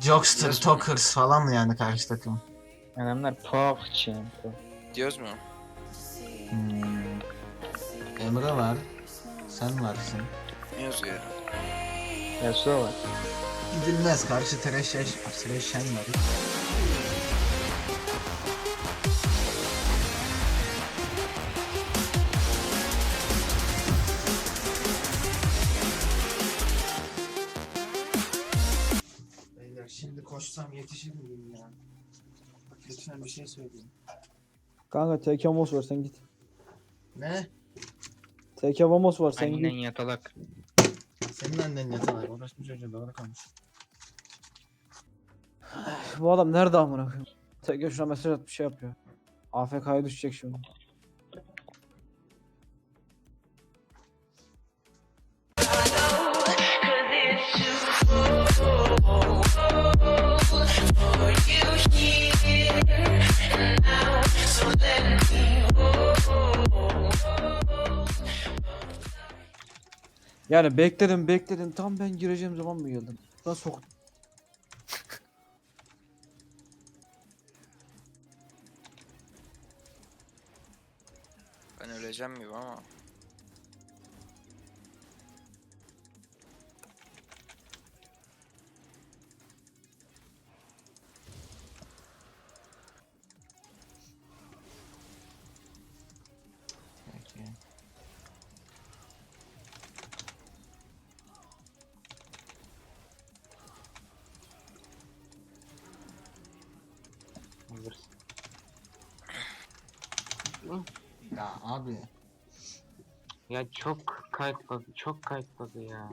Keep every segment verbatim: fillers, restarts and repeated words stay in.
Jokster, Diyoruz mu? Talkers falan mı yani karşı takım? Adamlar Puff Champ. Diyoruz mu? Hmm. Emre var. Sen varsın. Ne yazıyor ya? Yasuo var. Gidilmez. Karşı Thresh, Thresh Shen var. Beyler şimdi koşsam yetişir miyim ya? Lütfen bir şey söyleyin. Kanka T K Vamos var sen git. Ne? T K Vamos var sen Aynen git. yatalak. Senin annen yatalak. Orası bir çocuğa doğru konuş. Bu adam nerede amına koyayım? T K şuna mesaj at bir şey yapıyor. A F K'ya düşecek şimdi. Yani bekledim bekledim tam ben gireceğim zaman mı geldin? Nasıl sok? Ben öleceğim gibi ama. Peki. Ya abi. Ya çok kayıtladı, çok kayıtladı ya.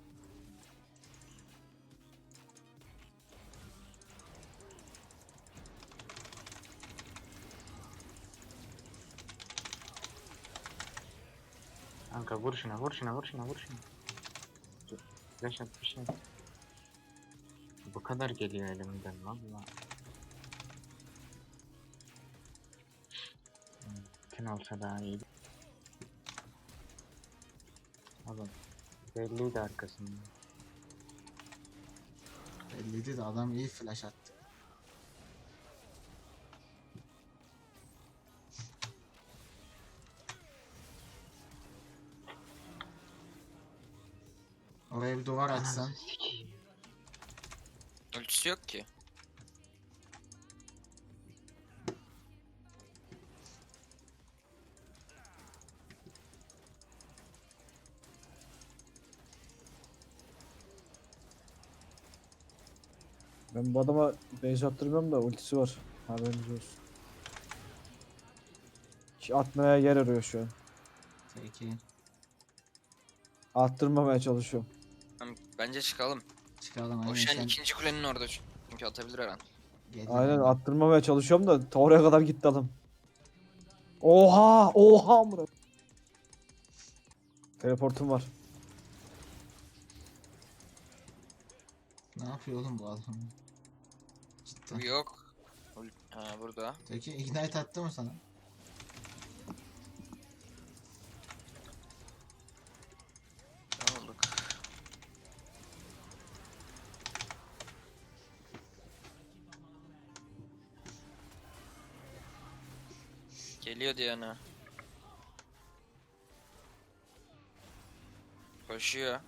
Kanka vur şuna, vur şuna, vur şuna, vur şuna. Dur, flash at bir şey. Bu kadar geliyor elimden valla. Mümkün olsa daha iyi. Oğlum belliydi arkasında. Belliydi de adam iyi flash attı. Oraya bir duvar açsan. Ananı sikeyim. Ölçüsü yok ki. Ben bu adama base attırmıyorum da ultisi var. Haberiniz olsun. Ki atmaya yer arıyor şu an. Peki. Attırmamaya çalışıyorum. Tamam, bence çıkalım. Çıkalım O aynen Shen sen. ikinci kulenin orada çünkü atabilir her an. Gelir Aynen yani. attırmamaya çalışıyorum da ta oraya kadar gitti adam. Oha! Oha amına. Teleportum var. Ne yapıyor oğlum bu adam? Cidden. Bu yok. Ha burada. Peki ignite attı mı sana? Ne olduk? Geliyor Diana. Koşuyor.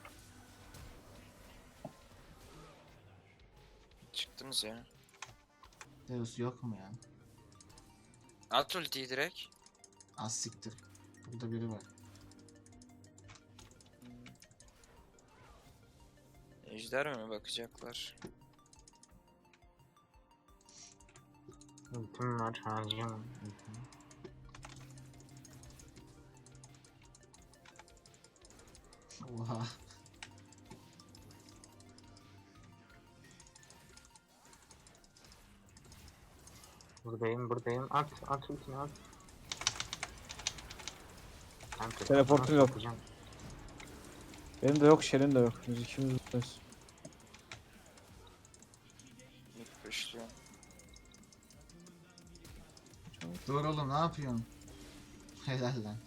Çıktınız ya. Deus yok mu ya? At ultiyi direkt. Az siktir. Burada biri var. Ejder mi bakacaklar? Ultim var, harcayamam. Oha. Buradayım, buradayım. At, at ultini at. Kanka, Teleportum nasıl yok. atacağım? Benim de yok, Shen'in de yok. Biz ikimiz buradayız. İlk başlıyor. Dur oğlum ne yapıyorsun? Helal lan.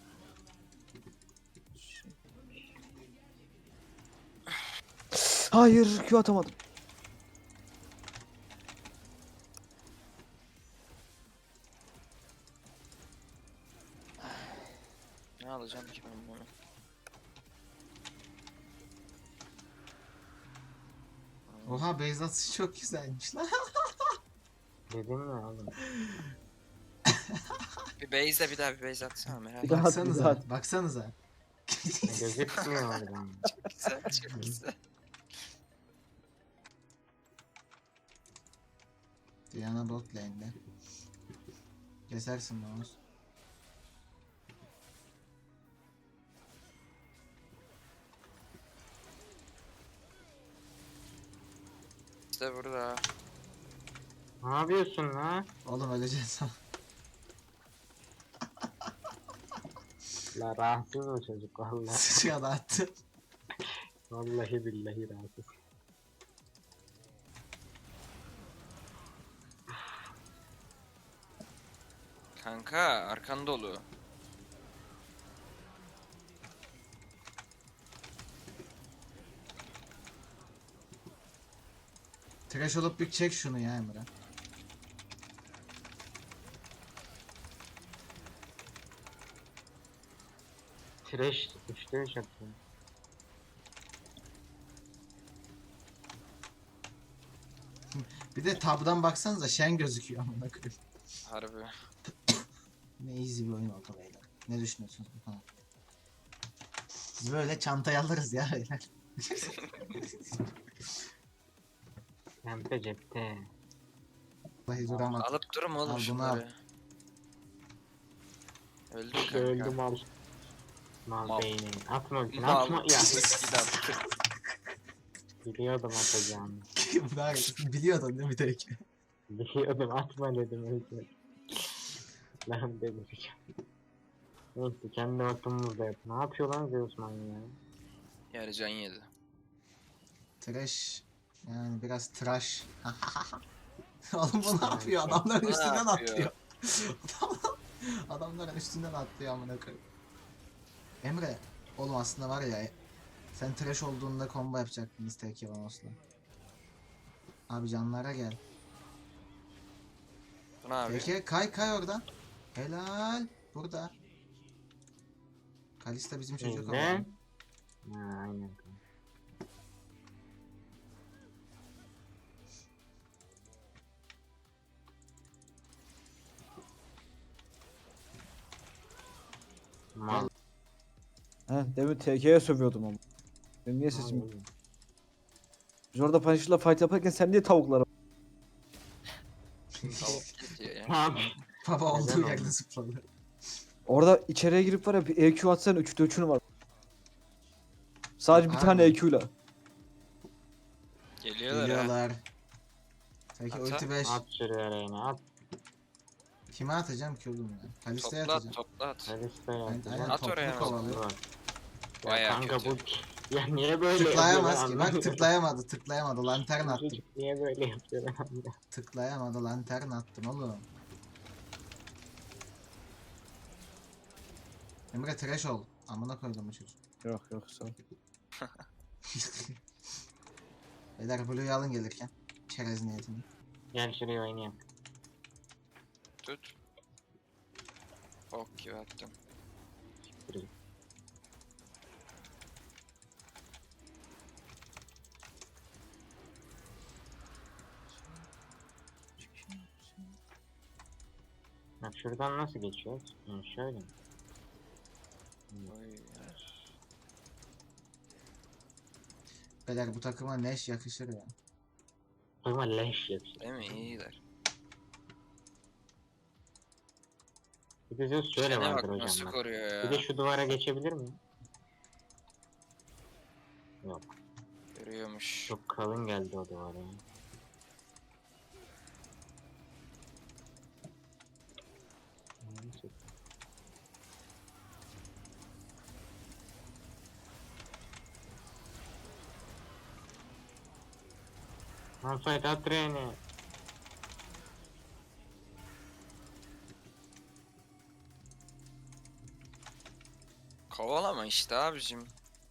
Hayır, Q atamadım. alacağım ki ben bunu? Oha base atışı çok güzelmiş lan. Dedim ya oğlum. Bir base'de bir daha bir base atsana merak Bir ettim. daha at, bir daha Baksanıza, at. baksanıza. Gözükmüyor oradan. Güzel, çok güzel. Diana bot lane'de. Kesersin mouse. İşte burada. Ne yapıyorsun lan? Oğlum öleceksin. La rahatsız o çocuk vallahi. Sıçra da attı. Vallahi billahi rahatsız. Kanka arkan dolu. Trash olup bir çek şunu ya Emre. Trash, üçte üç attı. Bir de tabdan baksanıza Shen gözüküyor amına koyayım. Harbi. Ne easy bir oyun oldu beyler. Ne düşünüyorsunuz bu konu? Biz böyle çantaya alırız ya beyler. Pembe cepte. Vallahi duramadım. Alıp durma Al oğlum bunu şunları. Öldü kanka. Öldüm al. Mal Mal. beyni. Atma ultini Mal. atma ya. Eskiden attı. Biliyordum atacağını. Ben biliyordun değil mi tek? Biliyordum atma dedim ultini. Lan delireceğim. Neyse kendi ortamımızda yap. Ne yapıyor lan Zeus manyağı? Yani can yedi. Trash. Yani biraz trash. Oğlum bu ne yapıyor? Adamların Ne üstünden yapıyor? atlıyor. Adamlar- Adamların üstünden atlıyor amına koyayım. Emre, oğlum aslında var ya sen trash olduğunda combo yapacaktınız tek Yavanos'la. Abi canlara gel. Bu ne abi? Peki kay kay oradan. Helal. Burada. Kalista bizim çocuk Ne? ama. Ha aynen. Mal. He, demin T K'ye sövüyordum ama. Benim niye sesim? Mal. Biz orada Punisher'la fight yaparken sen niye tavuklara? Tavuk gidiyor ya. Abi. Baba olduğu Neden yerde oldu? zıpladı. Orada içeriye girip var ya bir E Q atsan üçte üçünü var. Sadece bir Harbi tane mi? E Q'yla. Geliyorlar ha. Geliyorlar. Peki Ata. ulti beş. At şuraya Reyna at. Kime atacağım ki oğlum ya? Kalista'ya Topla at, atacağım. topla at. Kalista'ya Aynen, atacağım. aynen At toplu oraya kovalıyor. Bak. Ya Bayağı kanka kötü. bu ya niye böyle Tıklayamaz yapıyor ki. lan? Bak tıklayamadı. Tıklayamadı. Lantern Bu attım. çocuk niye böyle yapıyor lan? Tıklayamadı. Lantern attım oğlum. Emre trash ol. Amına koydum bu çocuk. Yok yok sağ ol. Beyler Blue'yu alın gelirken. Çerez niyetini. Gel şuraya oynayalım. Tut. Ok gibi attım. Bak şuradan nasıl geçiyoruz? Hı, şöyle mi? Oy ya. Beyler bu takıma Neş yakışır ya. Ama leş yapıyor. Değil mi? İyiler. Bir de Zeus şöyle Şene vardır bak nasıl hocam bak. koruyor Bir de ya. şu duvara geçebilir mi? Yok. Görüyormuş. Çok kalın geldi o duvara ya. Neyse. Malphite at treni. Kovalama işte abicim.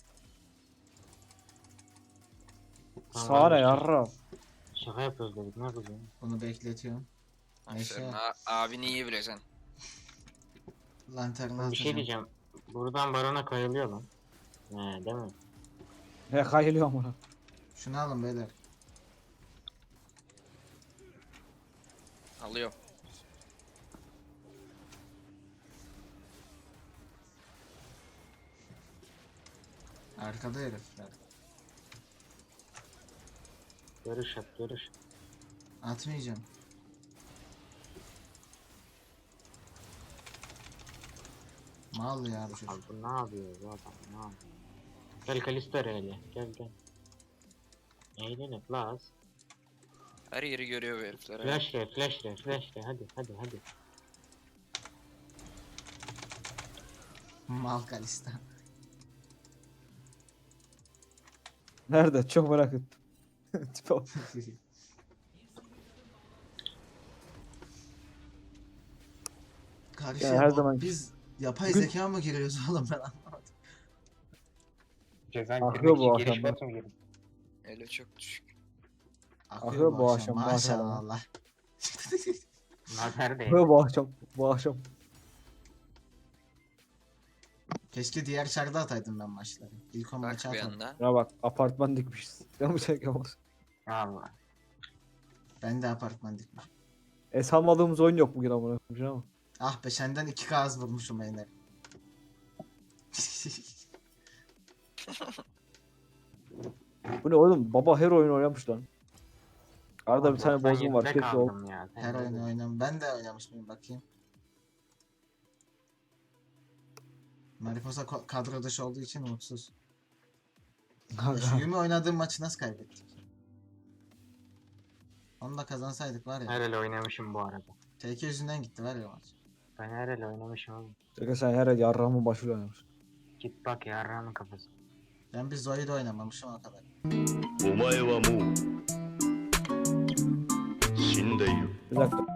Sağ ne yarra. Şaka yapıyoruz dedik ne yapacağız? Bunu bekletiyorum. Neyse. Aferin. A- abini iyi bileceksin. Lantern'ı Bir şey atacağım. diyeceğim. Buradan barona kayılıyor lan. He değil mi? Ne kayılıyor amına. Şunu alın beyler. Alıyorum. Arkada herifler. Görüş at görüş. Atmayacağım. Mal ya bu Abi çocuk. bu ne yapıyor bu adam ne yapıyor? Gel Kalisto hele gel gel. Eğlenin plus. Her yeri görüyor bu herifler. ha. Flash re flash re flash re hadi hadi hadi. Mal Kalista. Nerede? Çok merak ettim. Tipe bak. Karşıya Ya her bot- zaman- biz yapay Bugün- zeka mı giriyoruz oğlum ben anlamadım. Cezan Akıyor bu akşam bak. Ele çok düşük. Akıyor bu akşam maşallah. Nazar değil. Böyle bu akşam. Bu akşam. Keşke diğer çarda ataydım ben maçları. İlk on Bak maçı bir atadım. anda. Ya bak apartman dikmişiz. Ya bu şey yapamaz. Allah. Ben de apartman dikmişim. Es almadığımız oyun yok bugün amına koyayım ama. Ah be senden iki K az vurmuşum Eyner. Bu ne oğlum? Baba her oyun oynamış lan. Arada bir Abi tane bozgun var. doksan yedide Keşke ol. kaldım ya. Sen Her de oyunu bil. oynam. Ben de oynamış mıyım bakayım. Mariposa ko- kadro dışı olduğu için mutsuz. Ya şu Yumi oynadığım maçı nasıl kaybettik? Onu da kazansaydık var ya. Her el oynamışım bu arada. T K yüzünden gitti var ya maç. Ben her el oynamışım oğlum. Çünkü sen her yarramın başıyla oynamış. Git bak yarrağımın kafası. Ben bir Zoe'de oynamamışım o kadar. お前はもう死んでいる。 Bir dakika.